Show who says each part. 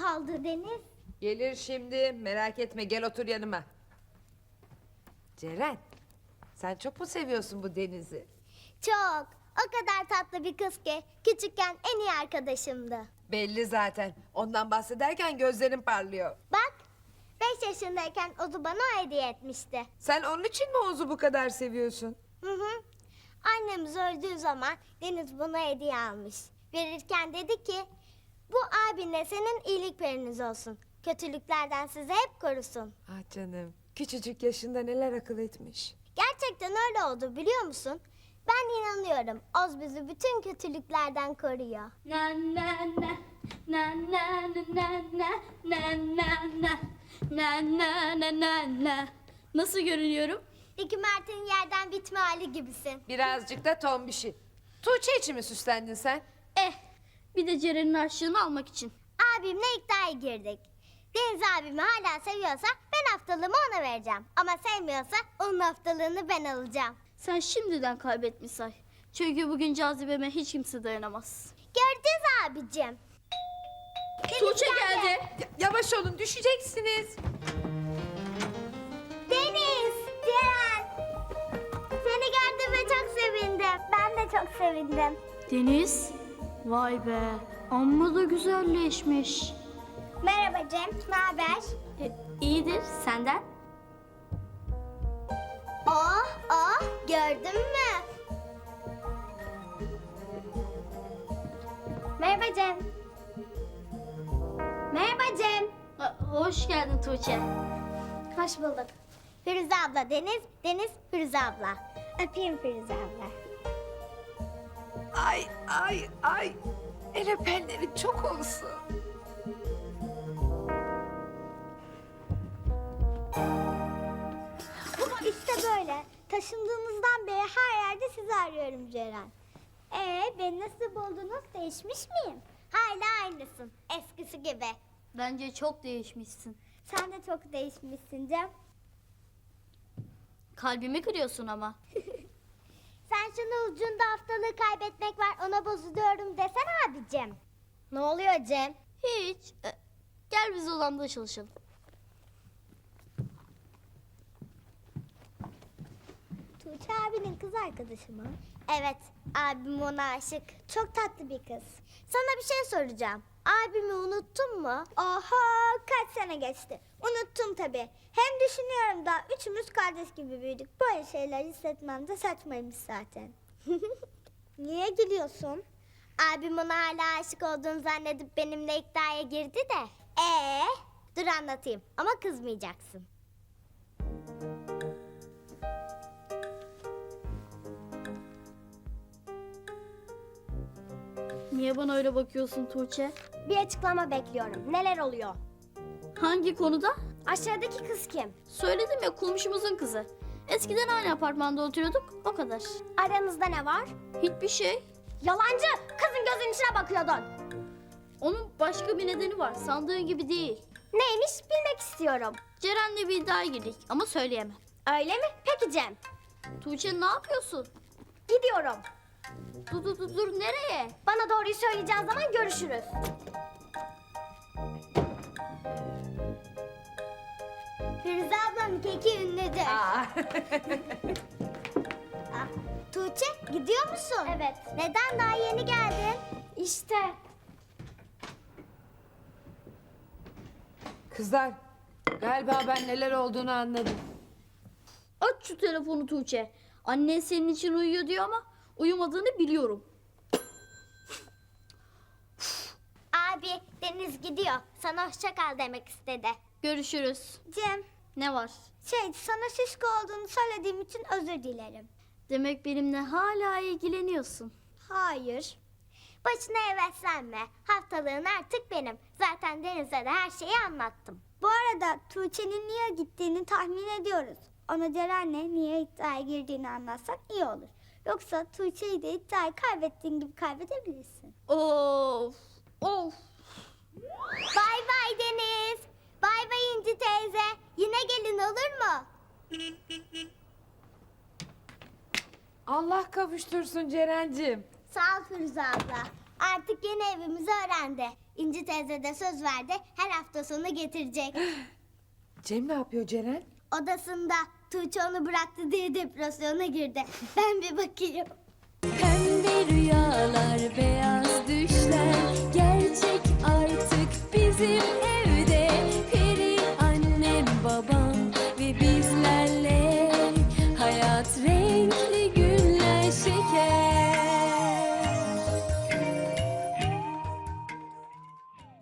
Speaker 1: kaldı Deniz?
Speaker 2: Gelir şimdi, merak etme, gel otur yanıma. Ceren, sen çok mu seviyorsun bu Deniz'i?
Speaker 1: Çok. O kadar tatlı bir kız ki küçükken en iyi arkadaşımdı.
Speaker 2: Belli zaten. Ondan bahsederken gözlerin parlıyor.
Speaker 1: Bak 5 yaşındayken Ozu bana o hediye etmişti.
Speaker 2: Sen onun için mi Oğuz'u bu kadar seviyorsun?
Speaker 1: Hı hı. Annemiz öldüğü zaman Deniz bana hediye almış. Verirken dedi ki bu abinle senin iyilik periniz olsun. Kötülüklerden sizi hep korusun.
Speaker 2: Ah canım, küçücük yaşında neler akıl etmiş.
Speaker 1: Gerçekten öyle oldu biliyor musun? Ben inanıyorum. Oz bizi bütün kötülüklerden koruyor.
Speaker 3: Na na na na na na na na na na na na na na na. Nasıl görünüyorum?
Speaker 1: Ricky Mert'in yerden bitme hali gibisin.
Speaker 2: Birazcık da tombişi. Tuğçe için mi süslendin sen?
Speaker 3: Bir de Ceren'in harçlığını almak için.
Speaker 1: Abimle iddiaya girdik. Deniz abimi hala seviyorsa ben haftalığımı ona vereceğim. Ama sevmiyorsa onun haftalığını ben alacağım.
Speaker 3: Sen şimdiden kaybetmiş say. Çünkü bugün cazibeme hiç kimse dayanamaz.
Speaker 1: Göreceğiz abicim. Deniz
Speaker 3: Tuğçe geldi.
Speaker 2: Yavaş olun, düşeceksiniz.
Speaker 1: Deniz, Ceren. Seni gördüğüme çok sevindim. Ben de çok sevindim.
Speaker 3: Deniz. Vay be. Amma da güzelleşmiş.
Speaker 1: Merhaba Cem, ne haber?
Speaker 3: İyidir. Senden?
Speaker 1: Oh, gördün mü? Merhaba Cem. Merhaba Cem.
Speaker 3: Hoş geldin Tuğçe.
Speaker 1: Hoş bulduk. Firuze abla Deniz, Deniz Firuze abla. Öpeyim Firuze abla.
Speaker 2: Ay. El öpenlerin çok olsun.
Speaker 1: İşte böyle. Taşındığımızdan beri her yerde sizi arıyorum Ceren. Beni nasıl buldunuz? Değişmiş miyim? Hala aynısın. Eskisi gibi.
Speaker 3: Bence çok değişmişsin.
Speaker 1: Sen de çok değişmişsin Cem.
Speaker 3: Kalbimi kırıyorsun ama.
Speaker 1: Sen şunu ucunda haftalığı kaybetmek var ona bozuluyorum desene abicim. Ne oluyor Cem?
Speaker 3: Hiç. Gel biz odamda çalışalım.
Speaker 1: Tuğçe abinin kız arkadaşı mı? Evet, abim ona aşık. Çok tatlı bir kız. Sana bir şey soracağım. Abimi unuttun mu? Oha, kaç sene geçti. Unuttum tabii. Hem düşünüyorum da üçümüz kardeş gibi büyüdük. Böyle şeyler hissetmem de saçmaymış zaten. Niye gülüyorsun? Abim ona hala aşık olduğunu zannedip benimle iddiaya girdi de. Dur anlatayım ama kızmayacaksın.
Speaker 3: Niye bana öyle bakıyorsun Tuğçe?
Speaker 1: Bir açıklama bekliyorum. Neler oluyor?
Speaker 3: Hangi konuda?
Speaker 1: Aşağıdaki kız kim?
Speaker 3: Söyledim ya, komşumuzun kızı. Eskiden aynı apartmanda oturuyorduk, o kadar.
Speaker 1: Aranızda ne var?
Speaker 3: Hiçbir şey.
Speaker 1: Yalancı! Kızın gözünün içine bakıyordun.
Speaker 3: Onun başka bir nedeni var, sandığın gibi değil.
Speaker 1: Neymiş bilmek istiyorum.
Speaker 3: Ceren'le bir iddiaya girdik ama söyleyemem.
Speaker 1: Öyle mi? Peki Cem.
Speaker 3: Tuğçe ne yapıyorsun?
Speaker 1: Gidiyorum.
Speaker 3: Dur, nereye?
Speaker 1: Bana doğruyu söyleyeceğin zaman görüşürüz. Firuze ablanın keki ünlüdür.
Speaker 2: Aa.
Speaker 1: Tuğçe gidiyor musun? Evet. Neden daha yeni geldin? İşte.
Speaker 2: Kızlar, galiba ben neler olduğunu anladım.
Speaker 3: Aç şu telefonu Tuğçe. Annen senin için uyuyor diyor ama uyumadığını biliyorum.
Speaker 1: Abi Deniz gidiyor. Sana hoşça kal demek istedi.
Speaker 3: Görüşürüz.
Speaker 1: Cem,
Speaker 3: Ne var?
Speaker 1: sana şişko olduğunu söylediğim için özür dilerim.
Speaker 3: Demek benimle hala ilgileniyorsun.
Speaker 1: Hayır. Başına heveslenme. Haftalığın artık benim. Zaten Deniz'e de her şeyi anlattım. Bu arada Tuğçe'nin niye gittiğini tahmin ediyoruz. Ona Ceren'le niye iddiaya girdiğini anlatsak iyi olur. Yoksa Tuğçe'yi de iddiayı kaybettiğin gibi kaybedebilirsin.
Speaker 3: Of.
Speaker 1: Bay bay Deniz. Bay bay İnci teyze. Yine gelin olur mu?
Speaker 2: Allah kavuştursun Ceren'cim.
Speaker 1: Sağ ol Firuze abla. Artık yeni evimizi öğrendi. İnci teyze de söz verdi. Her hafta sonu getirecek.
Speaker 2: Cem ne yapıyor Ceren?
Speaker 1: Odasında Tuğçe onu bıraktı diye depresyona girdi. Ben bir bakayım.
Speaker 4: Pembe rüyalar, beyaz düşler